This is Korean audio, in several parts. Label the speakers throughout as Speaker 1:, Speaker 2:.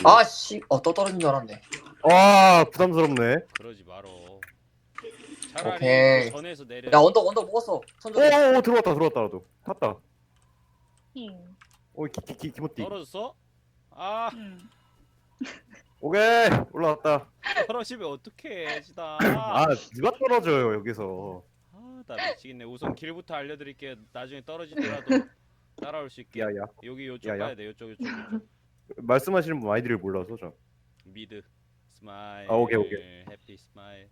Speaker 1: 아씨, 또 떨어진 줄 알았네.
Speaker 2: 아 부담스럽네.
Speaker 3: 그러지 말어. 차라리
Speaker 1: 오케이.
Speaker 3: 그 전에서 내려.
Speaker 1: 야, 언덕 먹었어. 천천히.
Speaker 2: 오 들어왔다 나도 탔다.
Speaker 4: 응.
Speaker 2: 오 기모띠.
Speaker 3: 떨어졌어? 아
Speaker 4: 응.
Speaker 2: 오케이 올라왔다.
Speaker 3: 떨어지면 어떡해 지다.
Speaker 2: 아 누가 떨어져요 여기서.
Speaker 3: 나 미치겠네. 우선 길부터 알려드릴게요. 나중에 떨어지더라도 따라올 수 있게.
Speaker 2: 야야
Speaker 3: 여기 요쪽
Speaker 2: 야야.
Speaker 3: 가야 돼. 요쪽.
Speaker 2: 말씀하시는 분 아이디를 몰라서 저.
Speaker 3: 미드 스마일.
Speaker 2: 아, 오케이.
Speaker 3: 해피 스마일.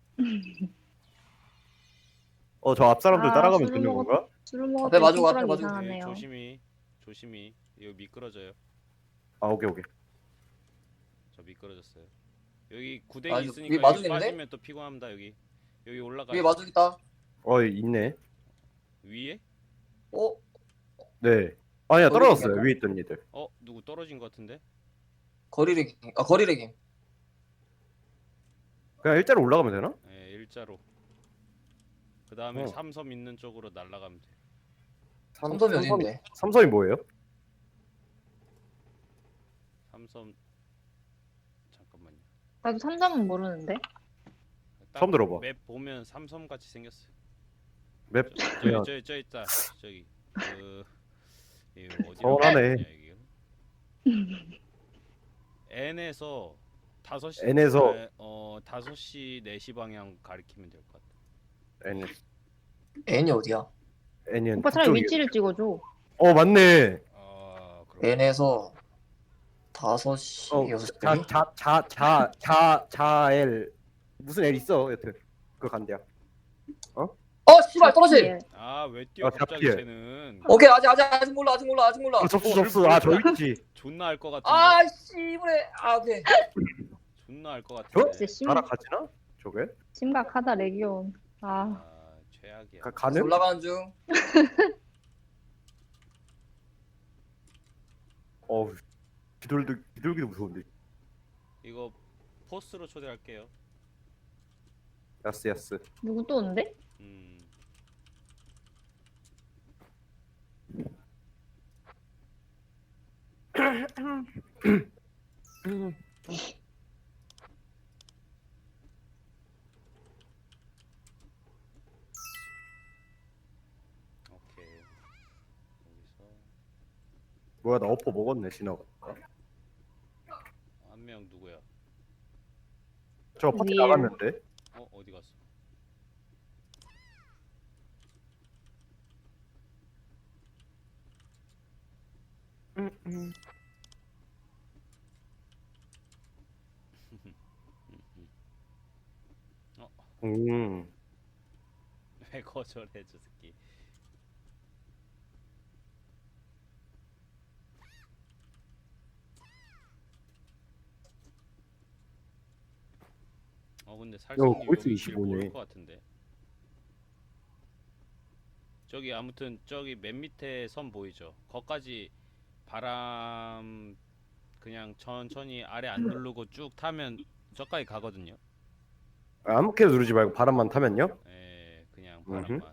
Speaker 2: 저 앞 사람들
Speaker 4: 아,
Speaker 2: 따라가면
Speaker 4: 술을
Speaker 2: 되는
Speaker 4: 먹었-
Speaker 2: 건가?
Speaker 4: 술을
Speaker 1: 앞에
Speaker 4: 먹었더니
Speaker 1: 마주가, 앞에
Speaker 4: 손가락이
Speaker 1: 마주가.
Speaker 4: 이상하네요.
Speaker 3: 조심히. 이거 미끄러져요.
Speaker 2: 아 오케이.
Speaker 3: 저 미끄러졌어요. 여기 구덩이
Speaker 1: 아, 위에
Speaker 3: 있으니까 여기
Speaker 1: 마중 있는데?
Speaker 3: 빠지면 또 피곤합니다. 여기 올라가.
Speaker 1: 위에 마중 있다.
Speaker 2: 있네.
Speaker 3: 위에?
Speaker 1: 어?
Speaker 2: 네. 아니야
Speaker 1: 거기
Speaker 2: 떨어졌어요
Speaker 1: 있냐고?
Speaker 2: 위에 있던 애들.
Speaker 3: 누구 떨어진 것 같은데?
Speaker 1: 거리레깅.
Speaker 2: 그냥 일자로 올라가면 되나?
Speaker 3: 네, 일자로. 그 다음에
Speaker 2: 어.
Speaker 3: 삼섬 있는 쪽으로 날아가면 돼.
Speaker 1: 삼섬이 어딘데?
Speaker 2: 삼섬이 뭐예요?
Speaker 3: 삼섬 잠깐만요.
Speaker 4: 나도 삼점은 모르는데.
Speaker 3: 딱
Speaker 2: 처음 들어봐.
Speaker 3: 맵 보면 삼섬 같이 생겼어요.
Speaker 2: 맵 그냥
Speaker 3: 저 있다. 저기 이거 어디라고
Speaker 2: 서운하네.
Speaker 3: 해야 되냐, 이게? N에서 5시
Speaker 2: N에서
Speaker 3: 5시 4시 방향 가리키면 될 것 같아.
Speaker 1: N이 어디야?
Speaker 2: N은
Speaker 4: 오빠 차라리
Speaker 2: 그쪽이에요.
Speaker 4: 위치를 찍어줘.
Speaker 2: 맞네.
Speaker 3: 그럼
Speaker 1: N에서 5시, 6시.
Speaker 2: 자엘 무슨 L 있어 여튼 그거 간대야.
Speaker 1: 씨발, 떨어지!
Speaker 4: 예.
Speaker 3: 왜 뛰어 갑자기
Speaker 2: 잡히에.
Speaker 3: 쟤는.
Speaker 1: 오케이, 아직 몰라.
Speaker 2: 접수. 저 있지.
Speaker 3: 존나 알 것 같은데.
Speaker 1: 씨부레. 오케이.
Speaker 3: 존나 알 것
Speaker 2: 어?
Speaker 3: 같은데.
Speaker 4: 진짜
Speaker 2: 날아가지나? 저게?
Speaker 4: 심각하다 레기온.
Speaker 3: 최악이야.
Speaker 2: 가능?
Speaker 1: 올라가는 중.
Speaker 2: 비둘기도 무서운데.
Speaker 3: 이거 포스로 초대할게요.
Speaker 2: 야스.
Speaker 4: 누구 또 온대?
Speaker 3: 오케이. 여기서
Speaker 2: 뭐야 나 어퍼 먹었네 지나가.
Speaker 3: 한 명 누구야?
Speaker 2: 저 파티
Speaker 4: 위에.
Speaker 2: 나갔는데.
Speaker 3: 어디 갔어? 왜 거절해 저 새끼? 근데 살성님
Speaker 2: 골프
Speaker 3: 여기 길
Speaker 2: 25 네.
Speaker 3: 모를 것 같은데. 저기 아무튼 저기 맨 밑에 섬 보이죠? 거까지 바람 그냥 천천히 아래 안 누르고 쭉 타면 저까지 가거든요.
Speaker 2: 아무렇게나 누르지 말고 바람만 타면요?
Speaker 3: 그냥 바람만.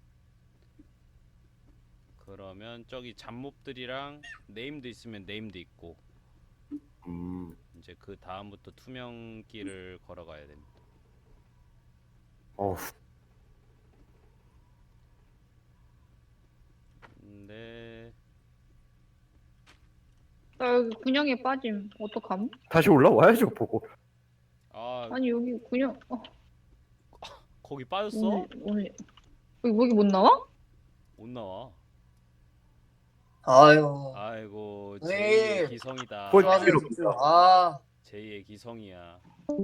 Speaker 3: 그러면 저기 잡몹들이랑 네임드 있으면 네임드 있고 이제 그 다음부터 투명길을 걸어가야 됩니다. 근데
Speaker 4: 나 여기 군형에 빠짐. 어떡함?
Speaker 2: 다시 올라와야죠 보고.
Speaker 4: 아니 여기 군형.
Speaker 3: 거기 빠졌어?
Speaker 4: 오늘 여기 못 나와?
Speaker 3: 못 나와. 아이고
Speaker 1: 네.
Speaker 3: 제2의 기성이다. 제2의 기성이야.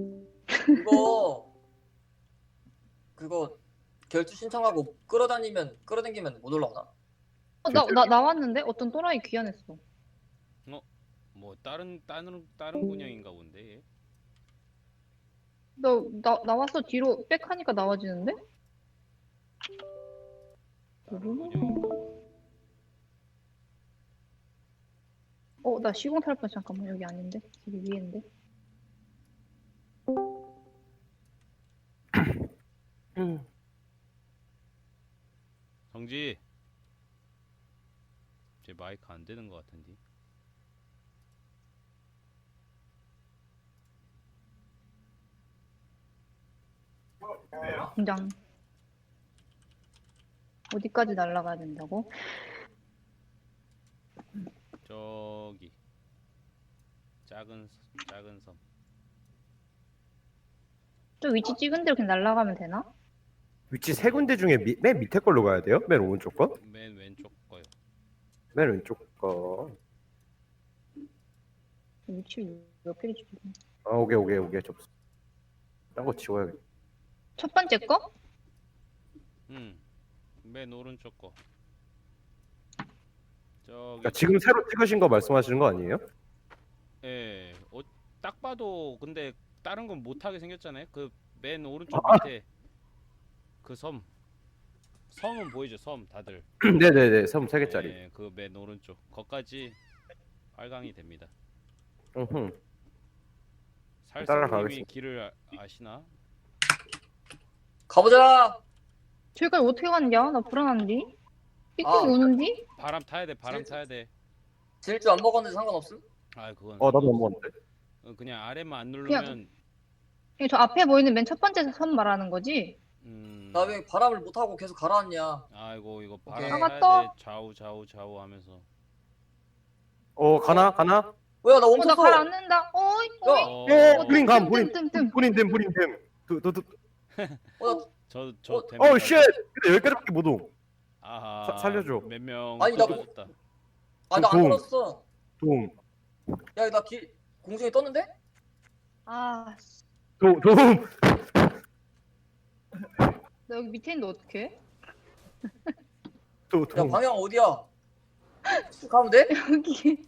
Speaker 1: 그거 결투 신청하고 끌어당기면 못 올라오나?
Speaker 4: 나 나왔는데 어떤 또라이 귀환했어.
Speaker 3: 뭐 다른 군형인가 본데. 얘?
Speaker 4: 나왔어. 뒤로 백하니까 나와지는데?
Speaker 3: 다른 군형인가?
Speaker 4: 나 시공 탈 뻔. 잠깐만 여기 아닌데? 여기 위인데?
Speaker 3: 정지. 제 마이크 안 되는 것 같은데.
Speaker 4: 공장. 어디까지 날아가야 된다고?
Speaker 3: 저기 작은 섬.
Speaker 4: 저 위치 찍은 대로 그냥 날아가면 되나?
Speaker 2: 위치 세 군데 중에 맨 밑에 걸로 가야 돼요? 맨 오른쪽 거?
Speaker 3: 맨 왼쪽 거요.
Speaker 2: 맨 왼쪽 거.
Speaker 4: 위치 몇 개를 찍어?
Speaker 2: 아, 오게 접수. 딴거 지워야겠다.
Speaker 4: 첫 번째 거?
Speaker 3: 맨 오른쪽 거. 저기
Speaker 2: 그러니까 지금 새로 찍으신 거 말씀하시는 거 아니에요?
Speaker 3: 예. 딱 봐도 근데 다른 건 못하게 생겼잖아요. 그 맨 오른쪽 밑에 그 섬은 보이죠? 섬 다들.
Speaker 2: 네네네, 섬 3개짜리.
Speaker 3: 예, 그 맨 오른쪽. 거까지 활강이 됩니다.
Speaker 2: 따라가겠습니다.
Speaker 3: 살성님이 길을 아시나?
Speaker 1: 가보자.
Speaker 4: 저기까지 어떻게 갔냐? 나 불안한디? 삑삑이
Speaker 1: 아.
Speaker 4: 오는디?
Speaker 3: 바람 타야 돼. 바람 타야 돼.
Speaker 1: 질주 안 먹었는데 상관없음?
Speaker 3: 아, 그건
Speaker 2: 나도 안 먹었는데.
Speaker 3: 그냥 아래만 안 누르면
Speaker 4: 그냥 저 앞에 보이는 맨 첫 번째 섬 말하는 거지?
Speaker 1: 나 왜 바람을 못 하고 계속 가라앉냐?
Speaker 3: 아이고 이거
Speaker 1: 오케이.
Speaker 3: 바람
Speaker 4: 아,
Speaker 3: 타야
Speaker 4: 맞다.
Speaker 3: 돼. 좌우 하면서.
Speaker 2: 가나?
Speaker 1: 뭐야 나
Speaker 4: 나
Speaker 1: 멈췄어.
Speaker 4: 가라앉는다. 어이, 어이.
Speaker 3: 어,
Speaker 2: 브린 감,
Speaker 4: 뜸.
Speaker 2: 브린댐.
Speaker 3: 저
Speaker 2: 쉣! 근데 여기까지밖에 못 오.
Speaker 3: 아하.
Speaker 2: 살려줘.
Speaker 3: 몇 명
Speaker 1: 아니, 나
Speaker 3: 떨어졌다.
Speaker 1: 아 나 안
Speaker 2: 도움.
Speaker 1: 떨었어.
Speaker 2: 도움.
Speaker 1: 야 나 공중에 떴는데?
Speaker 4: 아, 씨.
Speaker 2: 도움.
Speaker 4: 나 여기 밑에 있는데 어떡해?
Speaker 1: 야
Speaker 2: 도움.
Speaker 1: 방향 어디야? 쭉 가면 돼?
Speaker 4: 여기.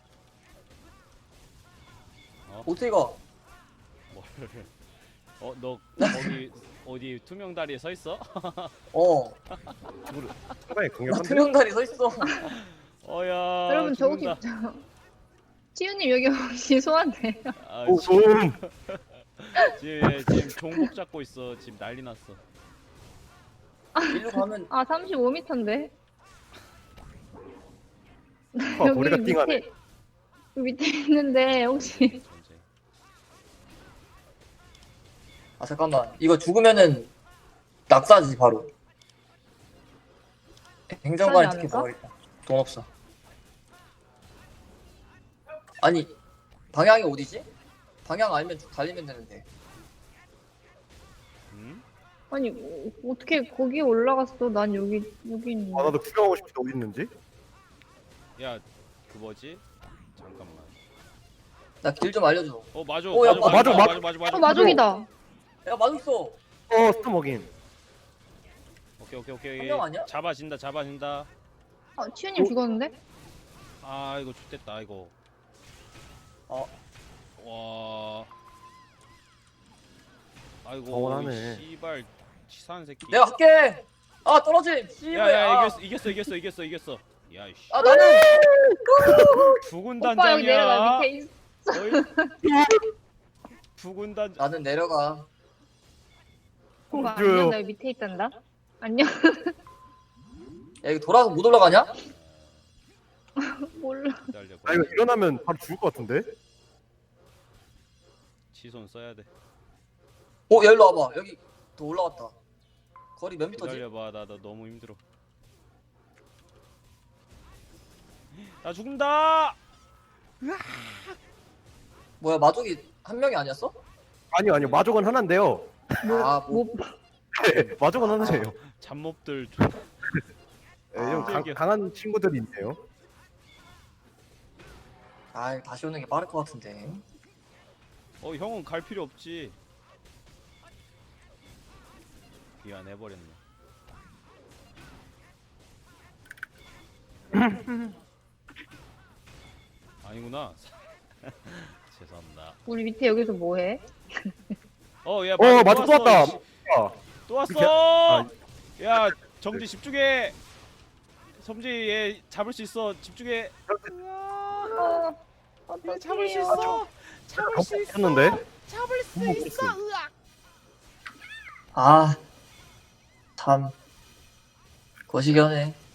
Speaker 1: 어떻게 가?
Speaker 3: 뭐를? 너 거기 어디 투명 다리에 서 있어?
Speaker 1: 어.
Speaker 2: 상당히
Speaker 1: 나
Speaker 2: 강력한데?
Speaker 1: 투명다리 서 있어.
Speaker 3: 어야.
Speaker 4: 여러분 저 혹시
Speaker 3: 죽는다.
Speaker 4: 치우님 여기 혹시 소환돼요?
Speaker 3: 아,
Speaker 2: 도움.
Speaker 3: 지금 종복 잡고 있어. 지금 난리 났어.
Speaker 1: 일로 가면
Speaker 4: 아 35m인데?
Speaker 2: 머리가 띵하네.
Speaker 4: 여기 밑에 있는데 혹시
Speaker 3: 전체.
Speaker 1: 아 잠깐만 이거 죽으면은 낙사지 바로. 행정관에
Speaker 4: 낙사지
Speaker 1: 티켓
Speaker 4: 않을까?
Speaker 1: 먹어야겠다. 돈 없어. 아니 방향이 어디지? 방향 알면 쭉 달리면 되는데.
Speaker 3: 응?
Speaker 4: 아니 어떻게 거기에 올라갔어? 난 여기 있는데.
Speaker 2: 나도 구경하고 싶은데 어디 있는지?
Speaker 3: 야, 그 뭐지? 잠깐만.
Speaker 1: 나 길 좀 알려줘.
Speaker 3: 맞아.
Speaker 1: 야,
Speaker 2: 맞아.
Speaker 4: 마족이다.
Speaker 1: 야 맞았어.
Speaker 2: 스톱 먹인.
Speaker 3: 오케이.
Speaker 1: 한 명 아니야?
Speaker 3: 잡아진다.
Speaker 4: 아 치우님 죽었는데?
Speaker 3: 아, 이거 좋됐다. 이거. 와. 아이고.
Speaker 2: 서운하네.
Speaker 3: 씨발 치사한 새끼.
Speaker 1: 내가 할게. 아 떨어짐. 씨발.
Speaker 3: 야야 이겼어. 야 씨.
Speaker 1: 아 나는
Speaker 3: 부군
Speaker 4: 오빠 여기 내려가
Speaker 3: 단장이야.
Speaker 4: 밑에 있어.
Speaker 3: 부군 단장.
Speaker 1: 나는 내려가.
Speaker 4: 오빠
Speaker 2: 줘요.
Speaker 4: 안녕 나 여기 밑에 있단다. 안녕.
Speaker 1: 야 이거 돌아서 못 올라가냐?
Speaker 4: 몰라.
Speaker 3: 기다려.
Speaker 2: 아 이거 일어나면 바로 죽을 것 같은데?
Speaker 3: 치손 써야 돼.
Speaker 1: 야 일로 와봐. 여기 더 올라왔다. 거리 몇 미터지?
Speaker 3: 기다려봐. 나 너무 힘들어. 나 죽는다.
Speaker 1: 뭐야 마족이 한 명이 아니었어?
Speaker 2: 아니요 마족은 하나인데요.
Speaker 1: 아 뭐.
Speaker 2: 네, 마족은 하나예요.
Speaker 3: 잡몹들.
Speaker 2: 네, 좀 강한 친구들이 있네요.
Speaker 1: 아 다시 오는 게 빠를 것 같은데.
Speaker 3: 형은 갈 필요 없지. 귀환해버렸네. 아니구나. 죄송합니다.
Speaker 4: 우리 밑에 여기서 뭐해?
Speaker 3: 야,
Speaker 2: 마족 또 왔다.
Speaker 3: 또 왔어.
Speaker 2: 이렇게-
Speaker 3: 야, 정지 집중해. 섬지 얘 잡을 수 있어. 집중해. 얘 잡을 수 있어. 잡을 수 있어.
Speaker 2: 했는데
Speaker 3: 잡을 수 있어. 으악.
Speaker 1: 아 참 거시기하네.